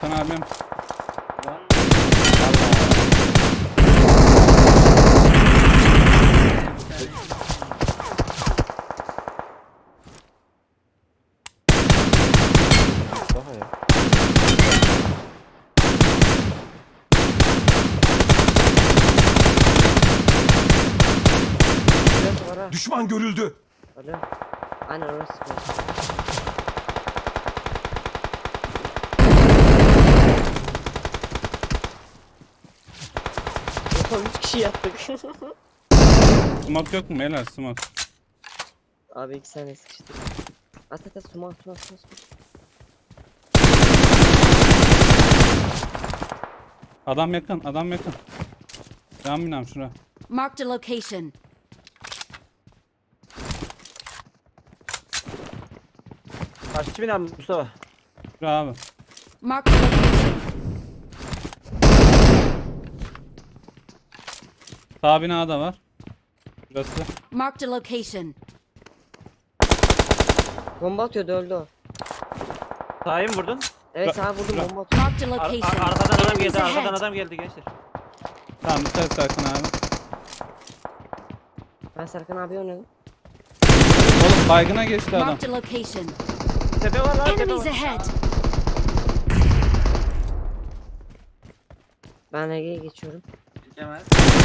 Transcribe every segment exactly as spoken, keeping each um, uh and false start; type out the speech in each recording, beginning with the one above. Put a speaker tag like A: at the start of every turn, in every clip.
A: Serkan abim.
B: Daha ya.
C: Burası var ha.
D: Düşman görüldü.
C: Alo. Aynen orası. Oha üç kişi yattık.
A: Smoke yok mu beyler, smoke?
C: Abi iki saniye sıkıştık. At at at suma suma suma suma.
A: Adam yakın, adam yakın. Can binam şura.
E: Marked a location.
B: Kaççı bina Mustafa?
A: Şura abi.
E: Marked a location.
A: Sağ binada var. Burası.
E: Marked a location.
C: Bomba atıyordu öldü o.
B: Sahi mi vurdun?
C: Evet sağa vurdum bomba atıyor.
E: Marked a
B: Ar- ar-
E: location.
B: arkadan adam
E: Enemies
B: geldi, arkadan
E: ahead.
B: adam geldi gençler.
A: Tamam dikkat Serkan abi.
C: Ben Serkan abi oynadım.
A: Oğlum baygına geçti adam.
E: Marked a location.
B: Tepe var lan, tepe
E: Enemies
B: var.
E: ahead.
C: Ben Ege'ye geçiyorum.
B: Geçemez.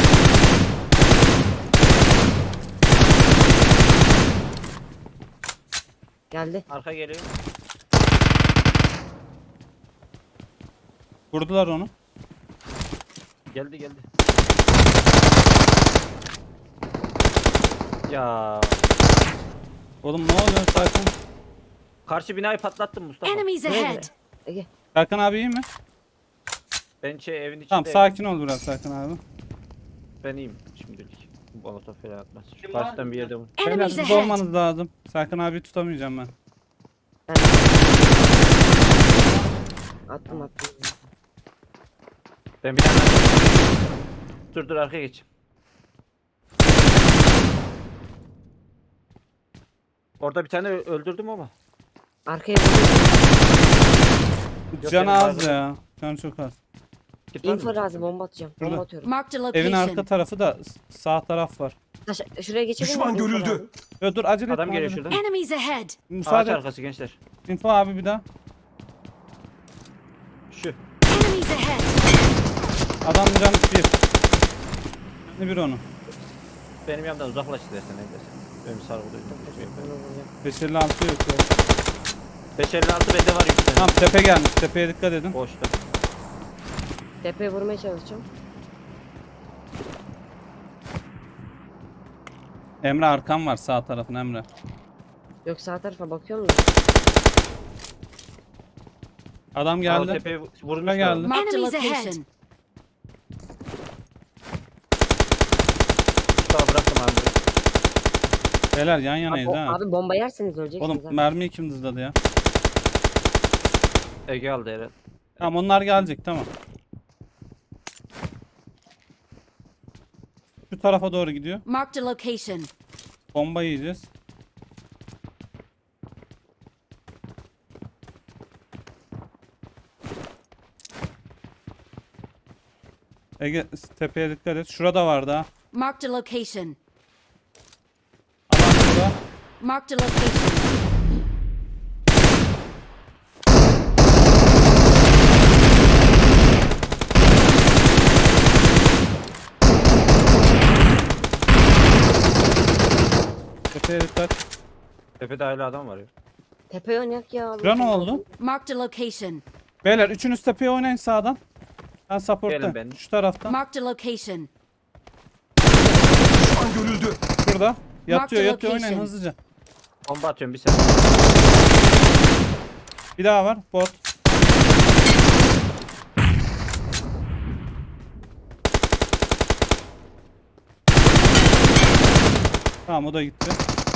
C: Geldi.
B: Arka geliyor.
A: Vurdular onu.
B: Geldi geldi. Ya
A: Oğlum ne oluyor Serkan?
B: karşı binayı patlattım Mustafa.
E: Enemies
C: Nerede?
E: ahead.
C: Ege.
A: Serkan abi iyi mi?
B: Ben şey evin içinde.
A: Tamam sakin ol biraz Serkan abi.
B: Ben iyiyim şimdilik. Bu molotof falan atmaz. Şu karşıdan bir yerde vur.
A: Beyler
E: Enemies
A: siz
E: ahead.
A: olmanız lazım. Serkan abi tutamayacağım ben.
C: Ben... Attım attım.
B: Ben bir tane dur dur arkaya geç. Orada bir tane ö- öldürdüm ama.
C: Arkaya vurdum.
B: Yok,
A: Can
B: benim
A: az
B: baygınım.
A: ya. Can çok az.
B: Git var mı?
C: Info lazım bomba atacağım.
A: Şurada.
C: Bomba atıyorum.
E: Marked a
A: Evin arka
E: location.
A: tarafı da s- sağ taraf var.
C: Taş, şuraya geçebilir
D: Düşman
C: miyim? Info
D: görüldü.
C: lazım.
A: Yo, dur acele
B: Adam
A: etme
B: geliyor
A: abi.
B: şuradan.
E: Enemies ahead.
B: Ağaç
A: Müsaade et.
B: arkası gençler.
A: Info abi bir daha.
B: Şu.
E: Enemies ahead.
A: Adam can bir. Ne bir onu.
B: Benim yanımdan uzaklaş istersen evdesin. Benim sargıdayım.
C: Onu vuracağım.
A: beş elli altı yok ya.
B: beş elli altı bende var yükselen.
A: Tamam tepe gelmiş. Tepeye dikkat edin.
B: Boşta.
C: Tepeye vurmaya çalışacağım.
A: Emre arkam var sağ tarafın Emre.
C: Yok sağ tarafa bakıyorum da.
A: Adam
B: Geldi.
A: geldi.
B: Tepeye vurmuş.
A: Şuraya geldi.
E: Marked a
C: Enemies ahead.
E: location.
B: Mustafa bıraktım abi.
A: Beyler yan yanayız
C: Abi,
A: ha.
C: abi bomba yerseniz öleceksiniz.
A: Oğlum
C: abi.
A: mermiyi kim dızladı ya?
B: Ege aldı herhalde.
A: Tamam onlar gelecek tamam. Şu tarafa doğru gidiyor.
E: Marked a location.
A: Bomba yiyeceğiz. Ege tepeye dikkat et. Şurada vardı ha.
E: Marked a location.
A: Adam burada.
E: Marked a location.
A: Tepeye dikkat.
B: Tepede hala adam var ya.
C: Tepeye oynayak ya. abi.
A: Şura ne oldu?
E: Marked a location.
A: Beyler üçünüz tepeye oynayın sağdan. Ben
B: Gelin
A: support'tayım.
B: ben.
A: Şu taraftan.
E: Marked a location.
D: Düşman görüldü.
A: Şurada. Yatıyor
E: the
A: yatıyor oynayın
E: location.
A: hızlıca.
B: Bomba atıyorum bir saniye.
A: Bir daha var. Bot. Tamam o da gitti.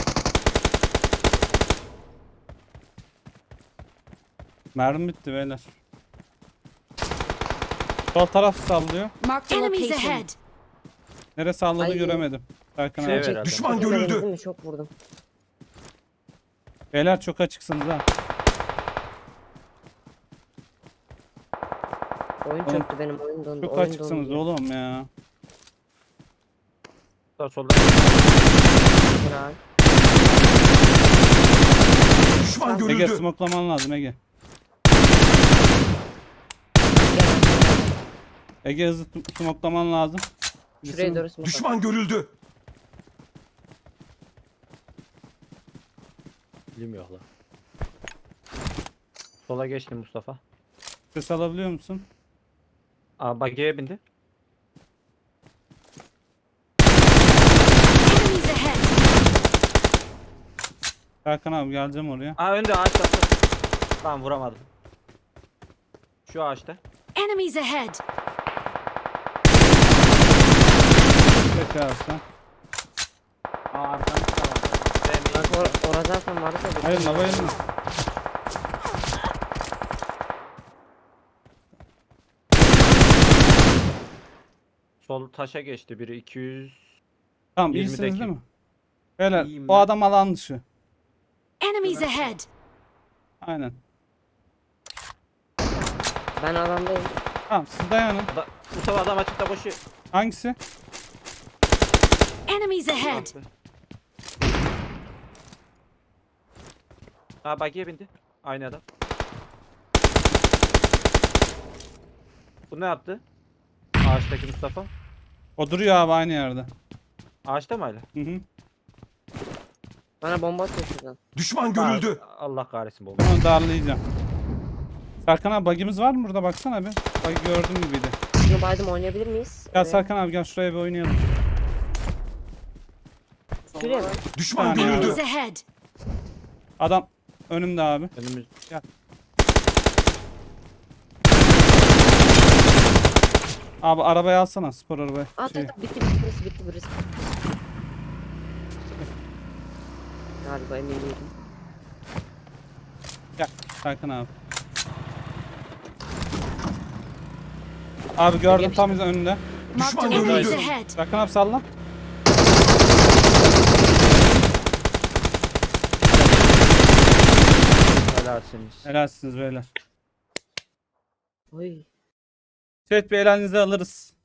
A: Mermi bitti beyler. Sol taraf sallıyor.
E: Marked a
C: Enemies
E: location.
C: ahead.
A: Nere salladı
C: Ay.
A: göremedim. Serkan
B: Şey
A: abi.
B: ver herhalde.
D: Düşman
C: Çok
D: görüldü.
C: vurdum, Çok vurdum.
A: Beyler çok açıksınız ha.
C: Oyun
A: Oğlum,
C: çöktü benim oyun dondu.
A: Çok
C: oyun
A: açıksınız
C: dondu.
A: oğlum ya.
B: Solda solda.
C: Helal.
D: Düşman
A: Ege
D: görüldü.
A: smoklaman lazım Ege. Ege hızlı t- smoklaman lazım.
C: Şuraya doğru smoke at.
D: Düşman görüldü.
B: Bilmiyor lan. Sola geçti Mustafa.
A: Ses alabiliyor musun?
B: Aa bagiye bindi.
E: Enemies ahead!
A: Serkan abi geleceğim oraya.
B: Aa önde ağaçta. Tamam vuramadım. Şu ağaçta.
E: Enemies ahead!
A: Peki abi sen.
B: Aa arkamda tamam.
C: Bak or orada zaten vardı da.
A: Hayır la bayılma.
B: Sol taşa geçti biri iki yüz.
A: Tamam
B: yirmideki.
A: iyisiniz değil mi? Beyler
B: İyiyim
A: o
B: ben.
A: adam alan dışı.
E: Enemies ahead!
A: Aynen.
C: Ben alandayım.
A: Tamam siz dayanın.
B: Da, Mustafa adam açıkta koşuyor.
A: Hangisi?
E: Enemies ahead!
B: Aa bagiye bindi. Aynı adam. Bu ne yaptı? Ağaçtaki Mustafa.
A: O duruyor abi aynı yerde.
B: Ağaçta mı hala?
A: Hı hı.
C: Bana bomba atıyor şuradan.
D: Düşman görüldü.
B: Aa, Allah kahretsin bomba.
A: Onu darlayacağım. Serkan abi bagimiz var mı burada baksana bir. Bagi gördüğüm gibiydi.
C: Şunu baydım oynayabilir miyiz?
A: Gel
C: Evet.
A: Serkan abi gel şuraya bir oynayalım.
C: Şuraya bak.
D: Düşman
A: Tamam.
D: görüldü.
E: Enemies ahead!
A: Adam önümde abi.
B: Önümüz.
A: Abi arabayı alsana spor arabayı.
C: At
A: Şey,
C: at bitti bitti burası bitti burası. Galiba emin değilim.
A: gel Serkan abi. Abi gördüm tam önünde.
E: Marked
D: Düşman
E: enemies
D: görüldü.
E: ahead!
A: Serkan abi salla.
B: Helalsiniz.
A: Helalsiniz beyler.
C: Oy.
A: Evet bir elinize alırız.